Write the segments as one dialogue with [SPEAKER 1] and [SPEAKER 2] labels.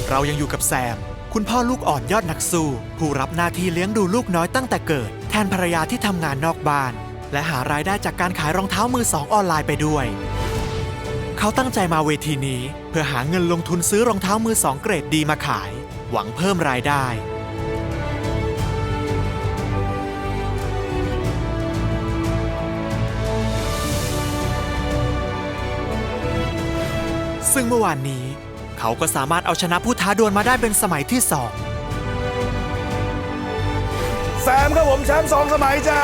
[SPEAKER 1] เรายังอยู่กับแซมคุณพ่อลูกอ่อนยอดนักสู้ผู้รับหน้าที่เลี้ยงดูลูกน้อยตั้งแต่เกิดแทนภรรยาที่ทำงานนอกบ้านและหารายได้จากการขายรองเท้ามือสองออนไลน์ไปด้วยเขาตั้งใจมาเวทีนี้เพื่อหาเงินลงทุนซื้อรองเท้ามือสองเกรดดีมาขายหวังเพิ่มรายได้ซึ่งเมื่อวานนี้เขาก็สามารถเอาชนะผู้ท้าดวลมาได้เป็นสมัยที่ 2
[SPEAKER 2] แซมครับผมแชมป์2 สมัยจ้า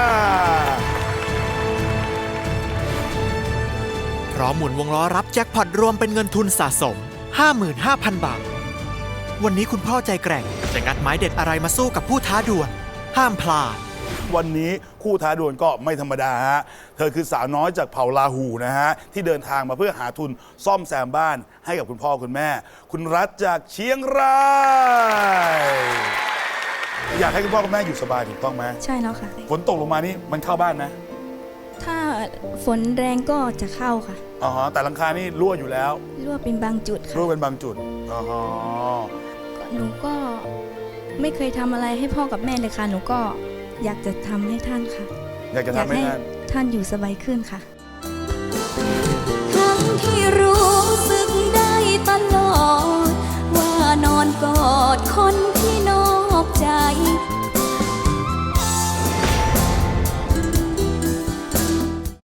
[SPEAKER 1] พร้อมหมุนวงล้อรับแจ็คพอตรวมเป็นเงินทุนสะสม 55,000 บาทวันนี้คุณพ่อใจแกร่งจะงัดไม้เด็ดอะไรมาสู้กับผู้ท้าดวลห้ามพลาด
[SPEAKER 2] วันนี้คู่ท้าดวลก็ไม่ธรรมดาฮะเธอคือสาวน้อยจากเผ่าลาหูนะฮะที่เดินทางมาเพื่อหาทุนซ่อมแซมบ้านให้กับคุณพ่อคุณแม่ คุณรัฐจากเชียงรายอยากให้คุณพ่อคุณแม่อยู่สบายถูกต้องไหม
[SPEAKER 3] ใช่แล้วค่ะ
[SPEAKER 2] ฝนตกลงมานี่มันเข้าบ้านไหม
[SPEAKER 3] ถ้าฝนแรงก็จะเข้าค่ะ
[SPEAKER 2] อ๋อแต่หลังคานี่รั่วอยู่แล้ว
[SPEAKER 3] รั่วเป็นบางจุดค่ะ
[SPEAKER 2] รั่วเป็นบางจุดอ๋อ
[SPEAKER 3] หนูก็ไม่เคยทำอะไรให้พ่อกับแม่เลยค่ะหนูก็อยากจะทำให้ท่านค่ะ
[SPEAKER 2] อยากจะทำให้ท่าน
[SPEAKER 3] อยู่สบายขึ้นค่ะ
[SPEAKER 4] ทั้งที่รู้